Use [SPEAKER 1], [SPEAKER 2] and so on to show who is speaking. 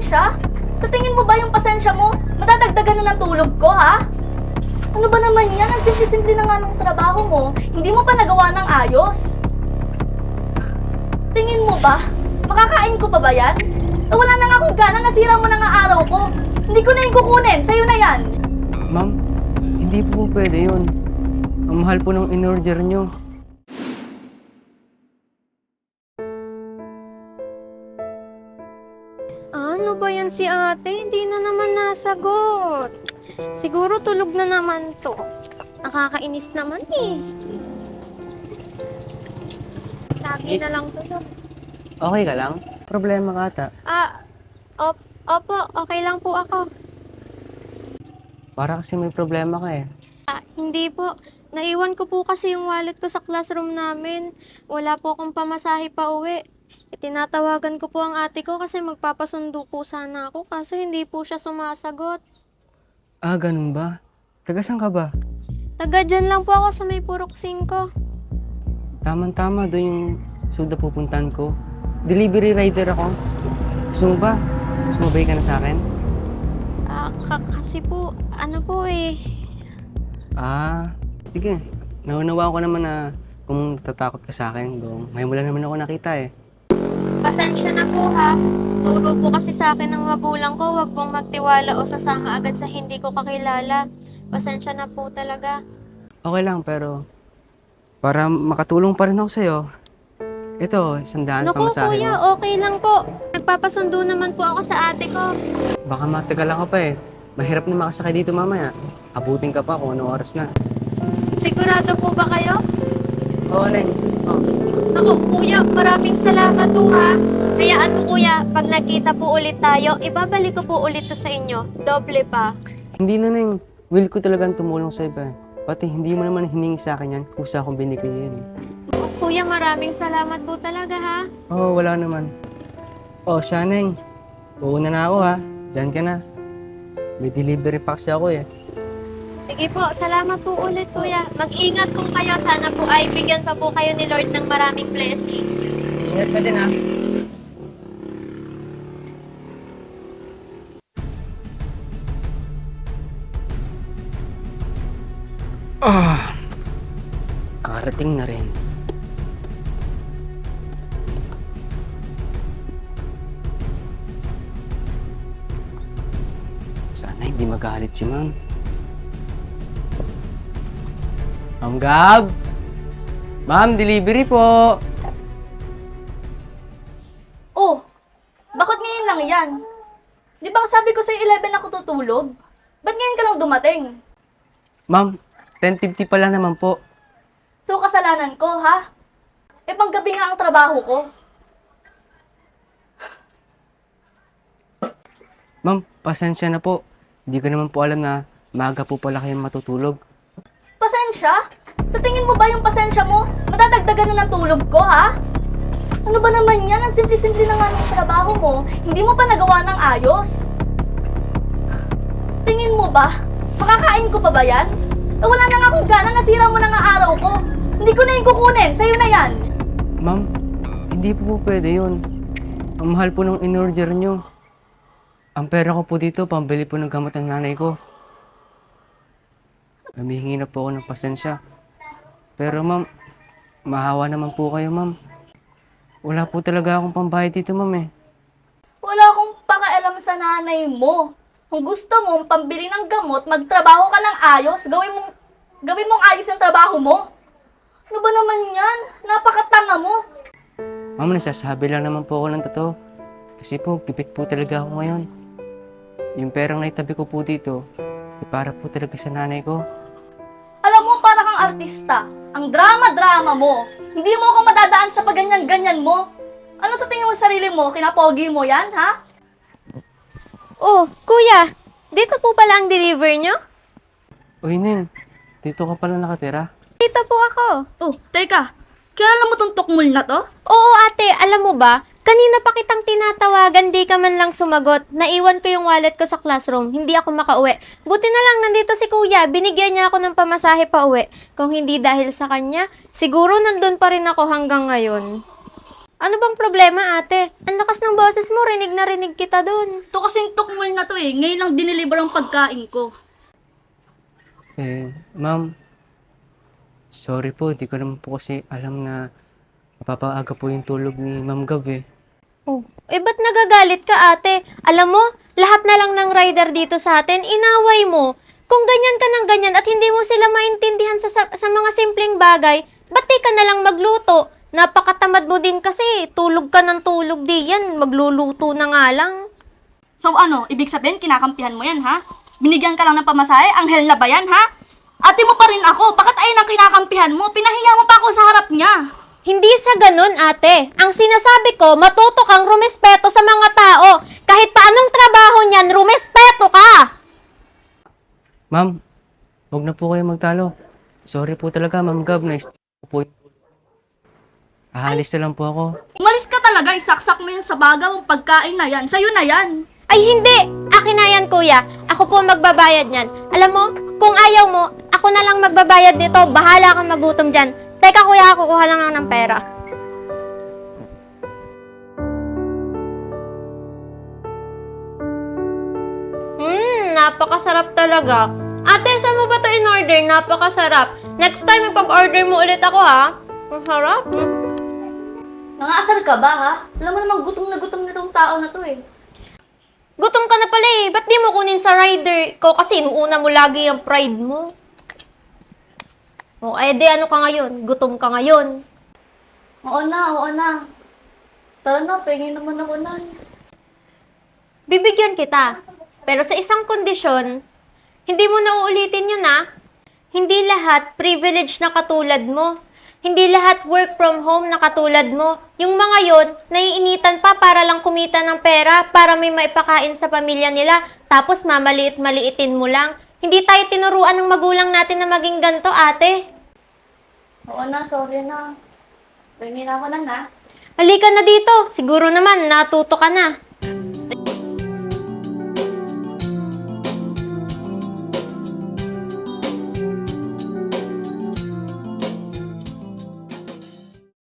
[SPEAKER 1] Pasensya? Sa tingin mo ba yung pasensya mo, madadagdagan na ng tulog ko, ha? Ano ba naman yan? Ang simple-simple na nga ng trabaho mo. Hindi mo pa nagawa ng ayos. Tingin mo ba? Makakain ko pa ba yan? Wala na nga akong gana, nasira mo na nga araw ko. Hindi ko na yung kukunin, sa'yo na yan.
[SPEAKER 2] Ma'am, hindi po pwede yun. Ang mahal po ng in-order nyo.
[SPEAKER 3] Ano ba yan si ate? Hindi na naman nasagot. Siguro tulog na naman to. Nakakainis naman eh. Lagi
[SPEAKER 2] Miss?
[SPEAKER 3] na lang tulog.
[SPEAKER 2] Okay ka lang? Problema ka ata.
[SPEAKER 3] Opo, okay lang po ako.
[SPEAKER 2] Para kasi may problema ka eh.
[SPEAKER 3] Hindi po. Naiwan ko po kasi yung wallet ko sa classroom namin. Wala po akong pamasahe pa uwi. Tinatawagan ko po ang ate ko kasi magpapasundo po sana ako kaso hindi po siya sumasagot.
[SPEAKER 2] Ah, ganun ba? Taga saan ka ba?
[SPEAKER 3] Taga dyan lang po ako sa may Purok 5.
[SPEAKER 2] Tama-tama, doon yung suda pupuntan ko. Delivery rider ako. Gusto mo ba? Sumabay ka na sa akin?
[SPEAKER 3] Kasi po, ano po eh.
[SPEAKER 2] Ah, sige. Naunawa ko naman na kung natatakot ka sa akin. Ngayon mo lang naman ako nakita eh.
[SPEAKER 3] Pasensya na po ha. Turo po kasi sa akin ng magulang ko, wag pong magtiwala o sasama agad sa hindi ko kakilala. Pasensya na po talaga.
[SPEAKER 2] Okay lang, pero para makatulong pa rin ako sa'yo, ito, 100
[SPEAKER 3] Naku
[SPEAKER 2] pamasahe
[SPEAKER 3] kuya,
[SPEAKER 2] mo.
[SPEAKER 3] okay lang po. Nagpapasundo naman po ako sa ate ko.
[SPEAKER 2] Baka matagal ka pa eh. Mahirap na makasakay dito mamaya. Abutin ka pa kung anong oras na.
[SPEAKER 3] Sigurado po ba kayo?
[SPEAKER 2] Oo, Neng. Oh.
[SPEAKER 3] Naku kuya, maraming salamat po ha. Hayaan mo kuya, pag nagkita po ulit tayo, ibabalik ko po ulit to sa inyo. Doble pa.
[SPEAKER 2] Hindi na, Neng. Will ko talagang tumulong sa iba. Pati hindi mo naman hiningi sa akin yan kung sa akong binigay yan.
[SPEAKER 3] Kuya, maraming salamat po talaga ha.
[SPEAKER 2] Oo, wala naman. Oh, siya, Neng. Uuna na ako ha. Diyan ka na. May delivery pa kasi ako eh.
[SPEAKER 3] Sige po, salamat po ulit kuya. Mag-ingat po kayo. Sana po ay bigyan pa po kayo ni Lord ng maraming blessing.
[SPEAKER 2] Ingat ka din ha. Karating na rin. Sana hindi magalit si Ma'am. Ma'am Gab? Ma'am, delivery po!
[SPEAKER 1] Oh, bakit ngayon lang yan? Di ba sabi ko sa'yo 11 ako tutulog? Ba't ngayon ka lang dumating?
[SPEAKER 2] Ma'am, 10:50 pa lang naman po.
[SPEAKER 1] So, kasalanan ko, ha? Eh, panggabi nga ang trabaho ko.
[SPEAKER 2] Ma'am, pasensya na po. Hindi ko naman po alam na maaga po pala kayong matutulog.
[SPEAKER 1] Pasensya? Sa tingin mo ba yung pasensya mo, madadagdagan na ng tulog ko, ha? Ano ba naman yan? Ang simple-simple na nga ng trabaho mo, hindi mo pa nagawa ng ayos. Tingin mo ba? Makakain ko pa ba yan? Wala na nga akong gana, nasira mo na nga araw ko. Hindi ko na yung kukunin, sa'yo na yan.
[SPEAKER 2] Ma'am, hindi po pwede yun. Ang mahal po ng in-order nyo. Ang pera ko po dito, pambili po ng gamot ng nanay ko. Humihingi na po ako ng pasensya. Pero ma'am, mahawa naman po kayo ma'am. Wala po talaga akong pambayad dito ma'am eh.
[SPEAKER 1] Wala akong pakialam sa nanay mo. Kung gusto mo pambili ng gamot, magtrabaho ka ng ayos, gawin mong ayos yung trabaho mo. Ano ba naman yan? Napakatanga mo.
[SPEAKER 2] Ma'am, nasasabi lang naman po ako ng totoo. Kasi po, gipit po talaga ako ngayon. Yung perang naitabi ko po dito, para po talaga sa nanay ko.
[SPEAKER 1] Alam mo, para kang artista. Ang drama-drama mo. Hindi mo ako madadaan sa paganyan-ganyan mo. Ano sa tingin mo sa sarili mo? Kinapogi mo yan, ha?
[SPEAKER 3] Oh, kuya, dito po pala ang deliver nyo?
[SPEAKER 2] Uy, Ning, dito ka pala nakatira?
[SPEAKER 3] Dito po ako.
[SPEAKER 1] Oh, teka. Kilala mo tong tukmul na to?
[SPEAKER 3] Oo ate, alam mo ba? Kanina pa kitang tinatawagan, di ka man lang sumagot. Naiwan ko yung wallet ko sa classroom, hindi ako makauwi. Buti na lang nandito si kuya, binigyan niya ako ng pamasahe pa uwi. Kung hindi dahil sa kanya, siguro nandun pa rin ako hanggang ngayon. Ano bang problema, ate? Ang lakas ng boses mo, rinig na rinig kita doon.
[SPEAKER 1] Ito kasing tukmol na to eh. Ngayon lang dineliver ang pagkain ko.
[SPEAKER 2] Ma'am, sorry po, di ko naman po kasi alam na mapapaaga po yung tulog ni Ma'am Gav eh.
[SPEAKER 3] Oh, ba't nagagalit ka, ate? Alam mo, lahat na lang ng rider dito sa atin, inaway mo. Kung ganyan ka ng ganyan at hindi mo sila maintindihan sa mga simpleng bagay, ba't di ka na lang magluto? Napakatamad mo din kasi, tulog ka ng tulog di yan, magluluto na nga lang.
[SPEAKER 1] So ano, ibig sabihin kinakampihan mo yan ha? Binigyan ka lang ng pamasahe? Anghel na ba yan ha? Ate mo pa rin ako, bakit ayun ang kinakampihan mo? Pinahiya mo pa ako sa harap niya.
[SPEAKER 3] Hindi sa ganun, ate. Ang sinasabi ko, matuto kang rumespeto sa mga tao. Kahit pa anong trabaho niyan, rumespeto ka!
[SPEAKER 2] Ma'am, huwag na po kayo magtalo. Sorry po talaga, Ma'am Gav, po. Ahalis na lang po ako.
[SPEAKER 1] Umalis ka talaga, isaksak mo yan sa baga mong pagkain na yan. Sa'yo na yan.
[SPEAKER 3] Ay hindi! Akin na yan, kuya. Ako po ang magbabayad niyan. Alam mo, kung ayaw mo, ako na lang magbabayad nito. Bahala kang magutom dyan. Teka, kuya, kukuha lang ako ng pera. Napakasarap talaga. Ate, saan mo ba ito in-order? Napakasarap. Next time, ipag-order mo ulit ako, ha? Ang sarap.
[SPEAKER 1] Nangaasar ka ba ha? Alam mo namang gutom na tong tao na to eh.
[SPEAKER 3] Gutom ka na pala eh. Ba't di mo kunin sa rider ko? Kasi inuuna mo lagi yung pride mo. O, di ano ka ngayon? Gutom ka ngayon.
[SPEAKER 1] Oo na. Tara na, pengin naman ako na.
[SPEAKER 3] Bibigyan kita. Pero sa isang kondisyon, hindi mo na uulitin yun, ha? Hindi lahat privilege na katulad mo. Hindi lahat work from home na katulad mo. Yung mga yon, naiinitan pa para lang kumita ng pera, para may maipakain sa pamilya nila, tapos mamaliit-maliitin mo lang. Hindi tayo tinuruan ng magulang natin na maging ganto, ate.
[SPEAKER 1] Oo na, sorry na. Pengin ako na ha.
[SPEAKER 3] Halika na dito. Siguro naman, natuto ka na.